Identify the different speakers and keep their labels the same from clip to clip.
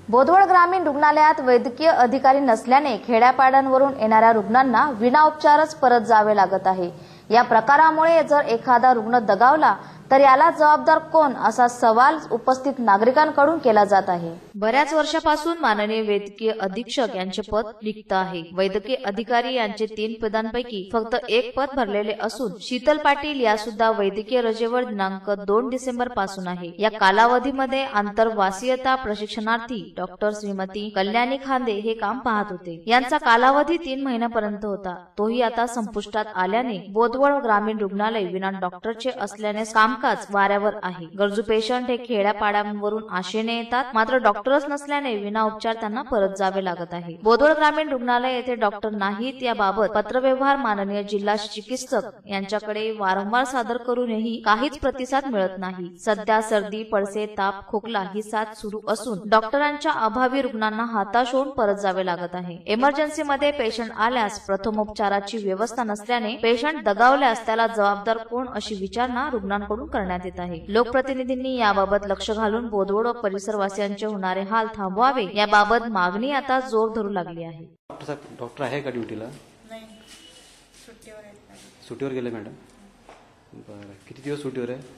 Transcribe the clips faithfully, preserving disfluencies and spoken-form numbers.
Speaker 1: बोदवड ग्रामीण रुग्णालयात वैद्यकीय अधिकारी नसल्याने खेड्यापाड्यांवरून येणाऱ्या रुग्णांना विना उपचारच परत जावे लागत आहे। या प्रकारामुळे जर एखादा रुग्ण दगावला तर याला जबाबदार कोण असा सवाल उपस्थित नागरिकांकडून केला जात आहे। बऱ्याच वर्षापासून माननीय वैद्यकीय अधीक्षक यांचे पद रिक्त आहे। वैद्यकीय अधिकारी यांचे तीन पदांपैकी फक्त एक पद भरलेले असून शीतल पाटील या सुद्धा वैद्यकीय रजेवर दिनांक दोन डिसेंबर पासून आहे। या कालावधीमध्ये आंतरवासीयता प्रशिक्षणार्थी डॉक्टर श्रीमती कल्याणी खांदे हे काम पाहत होते। यांचा कालावधी तीन महिन्यापर्यंत होता, तोही आता संपुष्टात आल्याने बोदवड ग्रामीण रुग्णालय विना डॉक्टरचे असल्याने काम कामकाज वाऱ्यावर आहे। गरजू पेशंट हे खेड्यापाड्यांवरून आशेने येतात, मात्र डॉक्टरच नसल्याने विना उपचार त्यांना परत जावे लागत आहे। बोदवड ग्रामीण रुग्णालय येथे डॉक्टर नाहीत याबाबत पत्रव्यवहार माननीय जिल्हा चिकित्सक यांच्याकडे वारंवार सादर करूनही काहीच प्रतिसाद मिळत नाही। सध्या सर्दी, पडसे, ताप, खोकला ही साथ सुरू असून डॉक्टरांच्या अभावी रुग्णांना हताश होऊन परत जावे लागत आहे। इमर्जन्सी मध्ये पेशंट आल्यास प्रथमोपचाराची व्यवस्था नसल्याने पेशंट दगावल्यास त्याला जबाबदार कोण अशी विचारणा रुग्णांकडून करण्यात येत आहे। लोकप्रतिनिधींनी याबाबत लक्ष घालून बोदवड व परिसरवासियांचे होणारे हाल थांबवावे याबाबत मागणी आता जोर धरू लागली आहे।
Speaker 2: डॉक्टर आहे का ड्युटीला?
Speaker 3: नाही, सुट्टीवर आहेत।
Speaker 2: सुट्टीवर गेले मॅडम? बरं, किती दिवस सुट्टीवर आहे?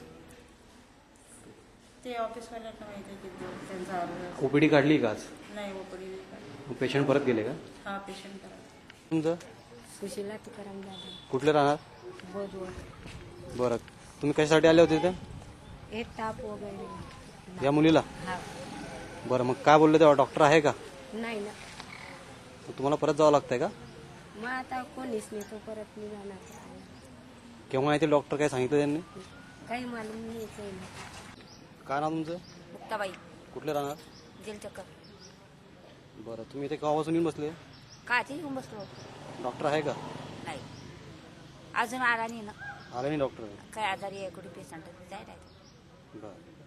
Speaker 3: ते ऑफिसवाल्यांना माहिती आहे किती दिवस त्यांचा आवडला।
Speaker 2: ओपीडी काढली का आज?
Speaker 3: नाही, ओपीडी नाही काढली।
Speaker 2: पेशंट परत गेले का?
Speaker 3: हा, पेशंट परत।
Speaker 2: तुमचं
Speaker 4: सुशीला तुकाराम दादा,
Speaker 2: कुठले राहणार?
Speaker 4: बोदवड।
Speaker 2: बरं, तुम्ही कशासाठी आले होते इथे?
Speaker 4: एक ताप वगैरे
Speaker 2: या मुलीला?
Speaker 4: हा।
Speaker 2: बरं, मग काय बोलले तेव्हा? डॉक्टर आहे का?
Speaker 4: नाही ना,
Speaker 2: मग तुम्हाला परत जावं लागतंय का?
Speaker 4: मग आता कोणीच नाही, तो परत मी जाणार
Speaker 2: केव्हा येते डॉक्टर? काय सांगितलं त्यांनी?
Speaker 4: काही मालूम नाही।
Speaker 2: काय नाव तुमचं?
Speaker 4: मुक्ताबाई,
Speaker 2: कुठले राहणार?
Speaker 4: जेल चक्कर।
Speaker 2: बरं, तुम्ही इथे केव्हापासून येऊन बसले?
Speaker 4: काची घेऊन बसलो?
Speaker 2: डॉक्टर आहे का?
Speaker 4: नाही, अजून आला नाही ना।
Speaker 2: आले नाही डॉक्टर?
Speaker 4: काय आजारी आहे, कुठे पेशंट जायला?
Speaker 2: बरं.